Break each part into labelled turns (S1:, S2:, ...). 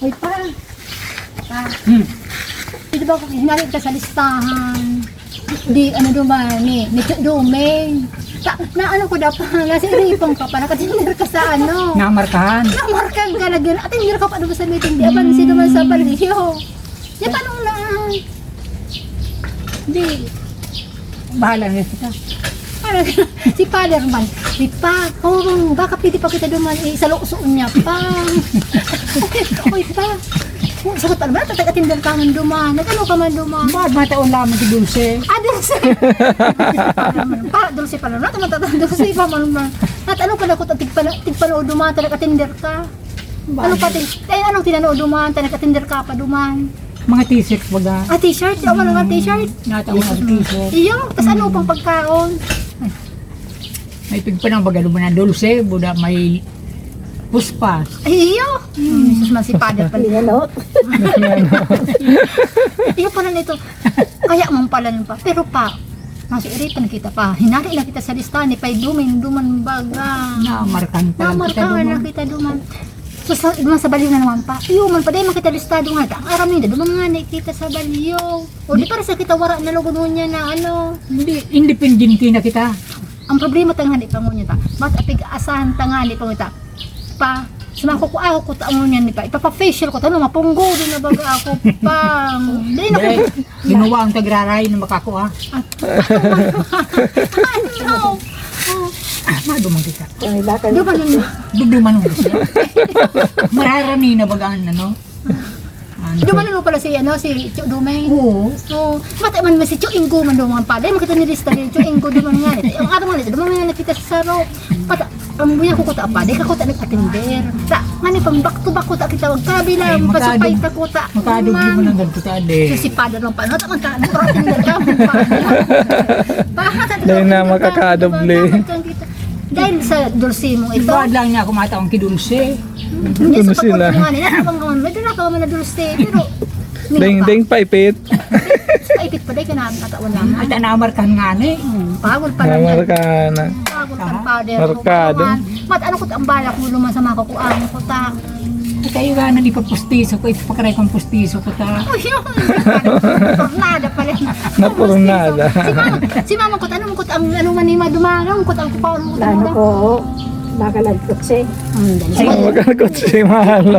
S1: Ay pa. Di ba kung hinalit ka sa listahan? Di ano duman ni Dumeng. Na ano ko dapat kasi ripong ka pa nakatinir ka sa ano.
S2: Namarkahan.
S1: Namarkan ka na gano'n. At hindi ka pa doon sa meeting. Di ba sino man sa baliyo? Di pa nung na. Di.
S2: Bahala na kita.
S1: Si Father man, di pa, baka pwede pa kita duman, sa loosoon niya pa. Oy pa, sagot pa naman, tatag-atindal ka man duman, nag-ano ka man duman.
S2: Bakit mataon lamang si Dulce?
S1: Dulce. Para Dulce pa naman, Dulce pa man. At ano ka na kung tigpanood duman, tatag-atindal ka? Ano pa, anong tinanood duman, tatag-atindal ka pa duman?
S2: Mga t-shirts baga.
S1: T-shirt? Ako mga t-shirt?
S2: Nataon ang t-shirt.
S1: Iyo, tas ano pang pagkaon?
S2: May pigpanang baga naman na Dulce, buda may puspas.
S1: Iyo! Jesus man si Father pala. Iyo pala nito. Kaya man pala nun pa. Pero pa, nasa iritan kita pa. Hinari lang kita sa listahan ni Pay Duman baga.
S2: Namarkahan pa lang kita
S1: Namarkahan na
S2: duman.
S1: kita duman. So sa baliw na naman pa. Iyo man pa dahil makita listado nga. Ang aram nila, duman nga na kita sa baliw. O di para sa kita wara na logo niya na ano.
S2: Hindi, independent na kita.
S1: Ang problema tangani pa ngunya ta. Mas apig asahan tangani pa ngunya ta. Pa, sumako ko ako ko taon niyan ni pa. Ipapa-facial ko tanong mapunggo din na baga ako pa. Dili na ko.
S2: Ginawa ang tagraray na makakuha.
S1: Ano?
S2: Madumang kita.
S1: Di ba nun?
S2: Duduman mo siya. Mararami na baga ang ano.
S1: Dumano pala si Chu Dumeng.
S2: Oo.
S1: So, mata man si Chu Ingo man duman pa. Dahil makita ni lista ni Chu Ingo duman nga. Ang araw nga duman nga nakita sa saro. Pata, ang buya ko kuta pa. Dahil kakuta nag-attender. Ta, ngani pang back to back kuta kita. Wag kabila, pasupay ka kuta.
S2: Makadugli mo ng ganito ade.
S1: Si Father lang pa. Nata man ka, nag-attender ka.
S3: Dahil na makakadoble.
S1: Dahil sa dulce mong ito.
S2: Ibad lang niya ako mataong kidulce.
S1: Hindi sa
S3: sila.
S1: pagkukungan nila. Medyo na ka man na dulce. Pero,
S3: Ding paipit.
S1: paipit pa dahil ka na katawan lang.
S2: At namarkahan nga ni.
S1: Pagod pa lang.
S3: Namarka na.
S1: Pagod ang Father.
S3: Markado.
S1: Mat, ano ko ang balak mo luman sa mga kukuan ko ta.
S2: At kayo nga na ipapustiso ko. Ipapakaray kong pustiso ko ta.
S1: Oh, yun. Tornada pala.
S3: Napurnada.
S1: Si mama ko, ano mo ko ang ano man ni madumanong ko ang kupaw mo.
S4: Lalo ko, nakalagpot siya.
S3: Magkakot si Malo.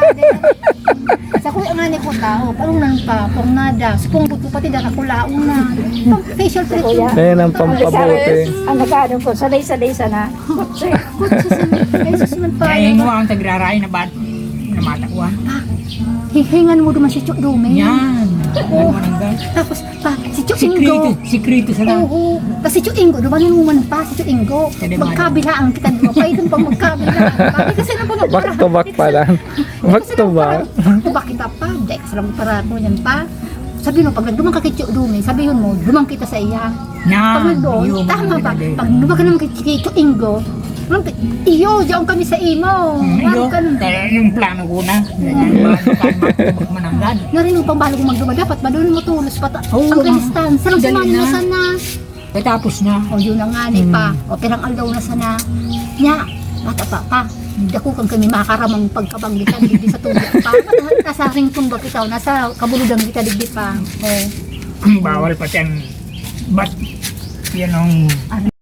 S1: Sa kuya nga ni ko tao, parang nang pa, tornada. Supong ko pati daka kulaong na. Facial treatment.
S3: Ayan ang pampabuti.
S4: Ang nagkaano ko, saday-saday sana.
S1: Jesus man pa.
S2: Kaya mo ang tagraray na bad na matakuan.
S1: Hihingan mo duman si Chuk Dumeng.
S2: Yan. Ano man ang gan.
S1: Tapos pa, si Chuk
S2: Sikrito.
S1: Ingo.
S2: Sikrito sa lang.
S1: Oo. Tapos si Chuk Ingo, duman naman pa si Chuk Ingo. Magkabilaan kita dito. Pwede pang magkabilaan. Bakit kasi na pang
S3: Back to back pa lang. Back to back.
S1: Back kita pa. Dex lang para mo yan pa. Sabi mo, pag nagdumang ka kay Chuk Dumeng, sabihin mo, dumang kita sa iya. Pag
S2: Yan.
S1: nagdoon, tama ba? Pag dumang ka naman kay Chuk Ingo, iyo, diyan kami sa imo.
S2: Iyo. Kaya yung plano ko na. Mananggan.
S1: Narinig pang balo kong magduma. Dapat ba doon mo tulos pa?
S2: Oo,
S1: Ang kalistan. Sarang
S2: dali
S1: sumali
S2: na.
S1: na sana.
S2: Katapos na.
S1: O yun na nga ni pa. O pirang aldaw na sana. Nya, bata pa. Dako kang kami makaramang pagkabanggitan. Digdi sa tubig pa. Nasa ringtong ba kita? Nasa kabuludan kita digdi pa. O.
S2: Bawal pa yan. But, yan ang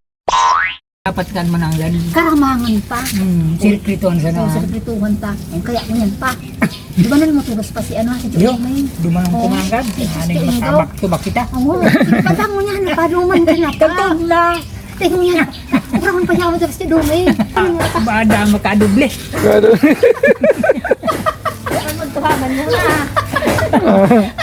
S2: dapat kan mananggan.
S1: Karamangan pa.
S2: Sirkritoan sa na.
S1: Sa kaprituhan ta. Kaya mo yan pa. Di ba na mo tulos pa si ano? Si
S2: Yo,
S1: Chumay?
S2: dumanong
S1: Oo.
S2: kumanggan. Haning makabak-tubak kita.
S1: Oo. Patang mo niya. Napaluman ka na pa.
S2: Tagtog na.
S1: Tingnan niya. Uraman pa niya ako sa Dumeng.
S2: Bada makadoble.
S1: Magtuhaman mo na.